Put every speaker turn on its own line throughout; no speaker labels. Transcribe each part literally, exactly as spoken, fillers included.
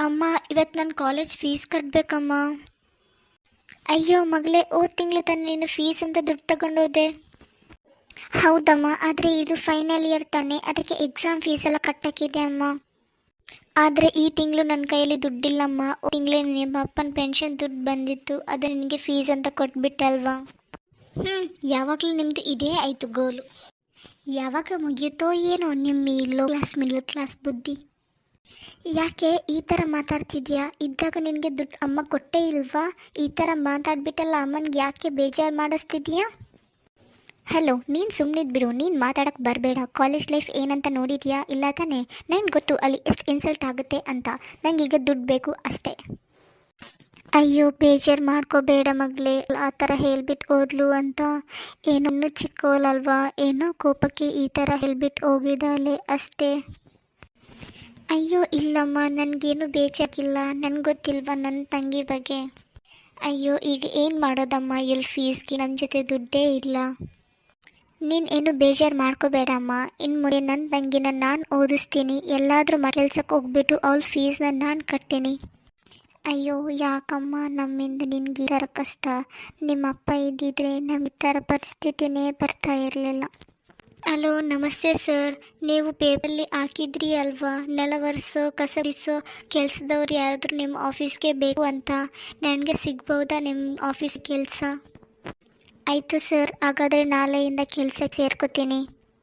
ಅಮ್ಮ, ಇವತ್ತು ನನ್ನ ಕಾಲೇಜ್ ಫೀಸ್ ಕಟ್ಟಬೇಕಮ್ಮ. ಅಯ್ಯೋ ಮಗಳೇ, ಹೋದ ತಿಂಗಳು ತಾನೆ ನೀನು ಫೀಸ್ ಅಂತ ದುಡ್ಡು ತಗೊಂಡೋದೆ. ಹೌದಮ್ಮ, ಆದರೆ ಇದು ಫೈನಲ್ ಇಯರ್ ತಾನೆ, ಅದಕ್ಕೆ ಎಕ್ಸಾಮ್ ಫೀಸ್ ಎಲ್ಲ ಕಟ್ಟಕ್ಕಿದೆ ಅಮ್ಮ. ಆದರೆ ಈ ತಿಂಗಳು ನನ್ನ ಕೈಯಲ್ಲಿ ದುಡ್ಡಿಲ್ಲಮ್ಮ. ತಿಂಗಳೇ ನಿಮ್ಮ ಅಪ್ಪನ ಪೆನ್ಷನ್ ದುಡ್ಡು ಬಂದಿತ್ತು, ಅದು ನಿನಗೆ ಫೀಸ್ ಅಂತ ಕೊಟ್ಬಿಟ್ಟೆ ಅಲ್ವಾ. ಹ್ಞೂ ಯಾವಾಗಲೂ ನಿಮ್ಮದು ಇದೇ ಆಯಿತು ಗೋಲು. ಯಾವಾಗ ಮುಗಿಯುತ್ತೋ ಏನೋ ನಿಮ್ಮ ಈ ಲೋ ಕ್ಲಾಸ್ ಮಿಡ್ಲ್ ಕ್ಲಾಸ್ ಬುದ್ಧಿ. ಯಾಕೆ ಈ ಥರ ಮಾತಾಡ್ತಿದ್ಯಾ? ಇದ್ದಾಗ ನಿನಗೆ ದುಡ್ಡು ಅಮ್ಮ ಕೊಟ್ಟೇ ಇಲ್ವಾ? ಈ ಥರ ಮಾತಾಡ್ಬಿಟ್ಟಲ್ಲ ಅಮ್ಮನಿಗೆ ಯಾಕೆ ಬೇಜಾರು ಮಾಡಿಸ್ತಿದ್ಯಾ? ಹಲೋ, ನೀನು ಸುಮ್ಮನಿದ್ಬಿಡು, ನೀನು ಮಾತಾಡೋಕ್ಕೆ ಬರಬೇಡ. ಕಾಲೇಜ್ ಲೈಫ್ ಏನಂತ ನೋಡಿದ್ಯಾ? ಇಲ್ಲ ತಾನೇ? ನನಗೆ ಗೊತ್ತು ಅಲ್ಲಿ ಎಷ್ಟು ಇನ್ಸಲ್ಟ್ ಆಗುತ್ತೆ ಅಂತ. ನಂಗೆ ಈಗ ದುಡ್ಡು ಬೇಕು ಅಷ್ಟೇ. ಅಯ್ಯೋ ಬೇಜಾರು ಮಾಡ್ಕೋಬೇಡ ಮಗಳೇ, ಆ ಥರ ಹೇಳ್ಬಿಟ್ಟು ಹೋದ್ಲು ಅಂತ. ಏನೂ ಚಿಕ್ಕೋಲಲ್ವಾ, ಏನೋ ಕೋಪಕ್ಕೆ ಈ ಥರ ಹೇಳ್ಬಿಟ್ಟು ಹೋಗಿದ್ದಾಳೆ ಅಷ್ಟೇ. ಅಯ್ಯೋ ಇಲ್ಲಮ್ಮ, ನನಗೇನು ಬೇಜಾರಿಲ್ಲ. ನನಗೆ ಗೊತ್ತಿಲ್ವಾ ನನ್ನ ತಂಗಿ ಬಗ್ಗೆ? ಅಯ್ಯೋ ಈಗ ಏನು ಮಾಡೋದಮ್ಮ, ಎಲ್ಲಿ ಫೀಸ್ಗೆ ನನ್ನ ಜೊತೆ ದುಡ್ಡೇ ಇಲ್ಲ. ನೀನು ಏನು ಬೇಜಾರು ಮಾಡ್ಕೋಬೇಡಮ್ಮ. ಇನ್ನು ಮುಂದೆ ನನ್ನ ತಂಗಿನ ನಾನು ಓದಿಸ್ತೀನಿ. ಎಲ್ಲಾದರೂ ಮಾಡಿ ಕೆಲ್ಸಕ್ಕೆ ಹೋಗ್ಬಿಟ್ಟು ಅವಳ ಫೀಸ್ನ ನಾನು ಕಟ್ತೀನಿ. ಅಯ್ಯೋ ಯಾಕಮ್ಮ ನಮ್ಮಿಂದ ನಿನ್ಗೆ ಈ ಥರ ಕಷ್ಟ? ನಿಮ್ಮ ಅಪ್ಪ ಇದ್ದಿದ್ರೆ ನಮ್ಗೆ ಈ ಥರ ಪರಿಸ್ಥಿತಿನೇ ಬರ್ತಾ ಇರಲಿಲ್ಲ. ಹಲೋ ನಮಸ್ತೆ ಸರ್, ನೀವು ಪೇಪರಲ್ಲಿ ಹಾಕಿದ್ರಿ ಅಲ್ವಾ, ನೆಲ ಒರೆಸೋ ಕಸ ಗುಡಿಸೋ ಕೆಲಸದವ್ರು ಯಾರಾದರೂ ನಿಮ್ಮ ಆಫೀಸ್ಗೆ ಬೇಕು ಅಂತ. ನನಗೆ ಸಿಗ್ಬೋದಾ ನಿಮ್ಮ ಆಫೀಸ್ ಕೆಲಸ? ಆಯಿತು ಸರ್, ಹಾಗಾದರೆ ನಾಳೆಯಿಂದ ಕೆಲಸಕ್ಕೆ ಸೇರ್ಕೋತೀನಿ.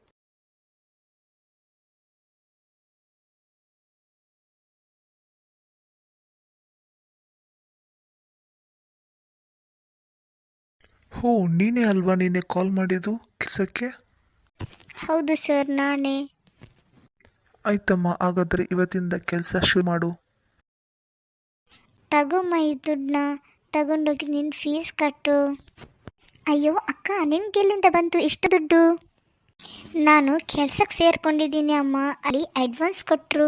ಹೋ, ನೀನೇ ಅಲ್ವಾ ನೀನೆ ಕಾಲ್ ಮಾಡಿದ್ದು ಕೆಲಸಕ್ಕೆ?
ಹೌದು ಸರ್, ನಾನೇ.
ಆಯ್ತಮ್ಮ, ಹಾಗಾದರೆ ಇವತ್ತಿಂದ ಕೆಲಸ ಶುರು ಮಾಡು.
ತಗೊಮ್ಮ ಈ ದುಡ್ಡನ್ನ, ತಗೊಂಡೋಗಿ ನಿನ್ನ ಫೀಸ್ ಕಟ್ಟು. ಅಯ್ಯೋ ಅಕ್ಕ, ನಿನ್ಗೆಲ್ಲಿಂದ ಬಂತು ಇಷ್ಟು ದುಡ್ಡು? ನಾನು ಕೆಲ್ಸಕ್ಕೆ ಸೇರ್ಕೊಂಡಿದ್ದೀನಿ ಅಮ್ಮ, ಅಲ್ಲಿ ಅಡ್ವಾನ್ಸ್ ಕೊಟ್ಟರು.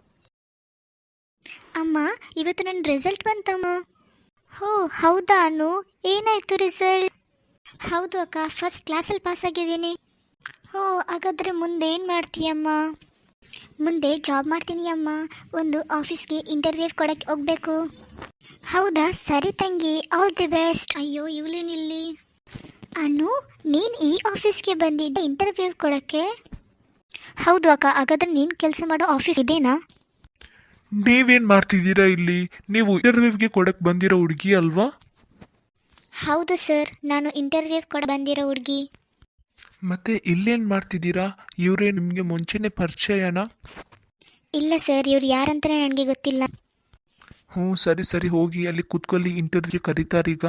ಅಮ್ಮ, ಇವತ್ತು ನನ್ನ ರಿಸಲ್ಟ್ ಬಂತಮ್ಮ. ಹೋ ಹೌದಾ ಅನು, ಏನಾಯಿತು ರಿಸಲ್ಟ್? ಹೌದು ಅಕ್ಕ, ಫಸ್ಟ್ ಕ್ಲಾಸಲ್ಲಿ ಪಾಸ್ ಆಗಿದ್ದೀನಿ. ಹೋ ಹಾಗಾದರೆ ಮುಂದೆ ಏನು ಮಾಡ್ತೀಯಮ್ಮ? ಮುಂದೆ ಜಾಬ್ ಮಾಡ್ತೀನಿ ಅಮ್ಮ. ಒಂದು ಆಫೀಸ್ಗೆ ಇಂಟರ್ವ್ಯೂ ಕೊಡಕ್ಕೆ ಹೋಗಬೇಕು. ಹೌದಾ, ಸರಿ ತಂಗಿ, ಆಲ್ ದಿ ಬೆಸ್ಟ್. ಅಯ್ಯೋ ಇವಳೇನಿಲ್ಲಿ? ಅನು, ನೀನು ಈ ಆಫೀಸ್ಗೆ ಬಂದಿದ್ದ ಇಂಟರ್ವ್ಯೂ ಕೊಡೋಕ್ಕೆ? ಹೌದು ಅಕ್ಕ, ಹಾಗಾದರೆ ನೀನು ಕೆಲಸ ಮಾಡೋ ಆಫೀಸ್ ಇದೇನಾ?
ನೀವೇನು ಮಾಡ್ತಿದ್ದೀರಾ ಇಲ್ಲಿ? ನೀವು ಇಂಟರ್ವ್ಯೂಗೆ ಕೊಡಕ್ಕೆ ಬಂದಿರೋ ಹುಡುಗಿ ಅಲ್ವಾ?
ಹೌದು ಸರ್, ನಾನು ಇಂಟರ್ವ್ಯೂ ಕೊಡ ಬಂದಿರೋ ಹುಡುಗಿ.
ಮತ್ತೆ ಇಲ್ಲೇನು ಮಾಡ್ತಿದ್ದೀರಾ? ಇವರೇ ನಿಮಗೆ ಮುಂಚೆನೇ ಪರಿಚಯನಾ?
ಇಲ್ಲ ಸರ್, ಇವ್ರು ಯಾರಂತಲೇ ನನಗೆ ಗೊತ್ತಿಲ್ಲ.
ಹ್ಞೂ ಸರಿ ಸರಿ, ಹೋಗಿ ಅಲ್ಲಿ ಕೂತ್ಕೊಳ್ಳಿ, ಇಂಟರ್ವ್ಯೂ ಕರೀತಾರೀಗ.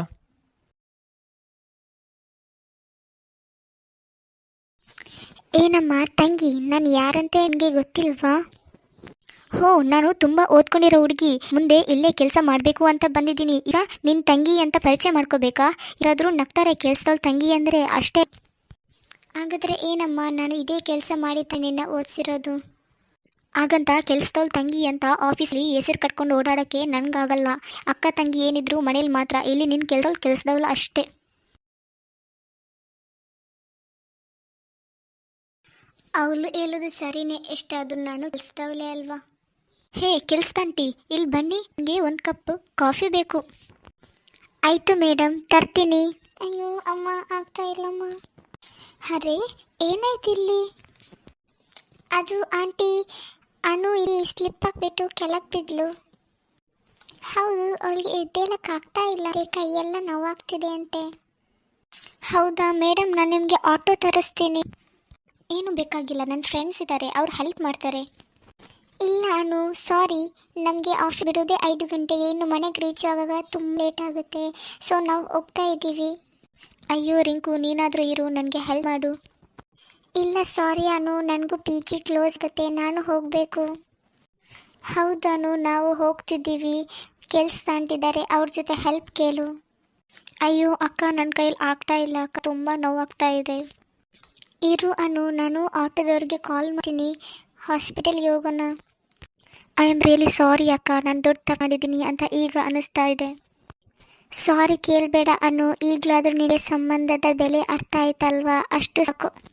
ಏನಮ್ಮ ತಂಗಿ, ನಾನು ಯಾರಂತೆ ನನಗೆ ಗೊತ್ತಿಲ್ವಾ? ಹೋ, ನಾನು ತುಂಬ ಓದ್ಕೊಂಡಿರೋ ಹುಡುಗಿ, ಮುಂದೆ ಇಲ್ಲೇ ಕೆಲಸ ಮಾಡಬೇಕು ಅಂತ ಬಂದಿದ್ದೀನಿ. ಈಗ ನಿನ್ನ ತಂಗಿ ಅಂತ ಪರಿಚಯ ಮಾಡ್ಕೋಬೇಕಾ? ಯಾರಾದರೂ ನಗ್ತಾರೆ ಕೆಲಸದಲ್ಲಿ ತಂಗಿ ಅಂದರೆ ಅಷ್ಟೇ. ಹಾಗಾದರೆ ಏನಮ್ಮ, ನಾನು ಇದೇ ಕೆಲಸ ಮಾಡಿದ್ದೆ ನಿನ್ನ ಓದಿಸಿರೋದು. ಹಾಗಂತ ಕೆಲಸದವ್ಳು ತಂಗಿ ಅಂತ ಆಫೀಸ್ಲಿ ಹೆಸರು ಕಟ್ಕೊಂಡು ಓಡಾಡೋಕ್ಕೆ ನನಗಾಗಲ್ಲ. ಅಕ್ಕ ತಂಗಿ ಏನಿದ್ರು ಮನೇಲಿ ಮಾತ್ರ, ಇಲ್ಲಿ ನಿನ್ನ ಕೆಲಸದವ್ಳು ಕೆಲಸದವ್ಳು ಅಷ್ಟೇ. ಅವಳು ಹೇಳೋದು ಸರಿನೇ, ಎಷ್ಟಾದರೂ ನಾನು ಕೆಲಸದವಳೇ ಅಲ್ವಾ. ಹೇ ಕೆಲಸದಂಟಿ, ಇಲ್ಲಿ ಬನ್ನಿ, ನನಗೆ ಒಂದು ಕಪ್ ಕಾಫಿ ಬೇಕು. ಆಯಿತು ಮೇಡಮ್, ತರ್ತೀನಿ. ಅಯ್ಯೋ ಅಮ್ಮ, ಆಗ್ತಾ ಇಲ್ಲಮ್ಮ. ಅರೆ ಏನಾಯ್ತು ಇಲ್ಲಿ? ಅದು ಆಂಟಿ, ಅನು ಇಲ್ಲಿ ಸ್ಲಿಪ್ ಹಾಕ್ಬಿಟ್ಟು ಕೆಳಗೆ ಬಿದ್ಲು. ಹೌದು, ಅವಳಿಗೆ ಎದ್ದೇಳಕ್ಕಾಗ್ತಾ ಇಲ್ಲ, ಕೈಯೆಲ್ಲ ನೋವಾಗ್ತಿದೆ ಅಂತೆ. ಹೌದಾ ಮೇಡಮ್, ನಾನು ನಿಮಗೆ ಆಟೋ ತರಿಸ್ತೀನಿ. ಏನು ಬೇಕಾಗಿಲ್ಲ, ನನ್ನ ಫ್ರೆಂಡ್ಸ್ ಇದ್ದಾರೆ, ಅವ್ರು ಹೆಲ್ಪ್ ಮಾಡ್ತಾರೆ. ಇಲ್ಲ ಅನು, ಸಾರಿ, ನಮಗೆ ಆಫ್ ಬಿಡೋದೇ ಐದು ಗಂಟೆಗೆ, ಇನ್ನು ಮನೆಗೆ ರೀಚ್ ಆಗಾಗ ತುಂಬ ಲೇಟ್ ಆಗುತ್ತೆ. ಸೊ ನಾವು ಹೋಗ್ತಾ ಇದ್ದೀವಿ. ಅಯ್ಯೋ ರಿಂಕು, ನೀನಾದರೂ ಇರು, ನನಗೆ ಹೆಲ್ಪ್ ಮಾಡು. ಇಲ್ಲ ಸಾರಿ ಅನು, ನನಗೂ ಪಿ ಜಿ ಕ್ಲೋಸ್ ಆಗುತ್ತೆ, ನಾನು ಹೋಗಬೇಕು. ಹೌದನು, ನಾವು ಹೋಗ್ತಿದ್ದೀವಿ, ಕೆಲಸ ತಾಂಟಿದ್ದಾರೆ, ಅವ್ರ ಜೊತೆ ಹೆಲ್ಪ್ ಕೇಳು. ಅಯ್ಯೋ ಅಕ್ಕ, ನನ್ನ ಕೈಯಲ್ಲಿ ಆಗ್ತಾ ಇಲ್ಲ ಅಕ್ಕ, ತುಂಬ ನೋವಾಗ್ತಾ ಇದೆ. ಇರು ಅನು, ನಾನು ಆಟೋದವ್ರಿಗೆ ಕಾಲ್ ಮಾಡ್ತೀನಿ, ಹಾಸ್ಪಿಟಲ್ಗೆ ಹೋಗೋಣ. ಐ ಆಮ್ ರಿಯಲಿ ಸಾರಿ ಅಕ್ಕ, ನಾನು ದುಡ್ಡು ತಗೊಂಡಿದ್ದೀನಿ ಅಂತ ಈಗ ಅನ್ನಿಸ್ತಾ ಇದೆ. ಸಾರಿ ಕೇಳಬೇಡ ಅನು, ಈಗಲಾದರೂ ನಿನಗೆ ಸಂಬಂಧದ ಬೆಲೆ ಅರ್ಥ ಆಯ್ತಲ್ವಾ, ಅಷ್ಟು ಸಾಕು.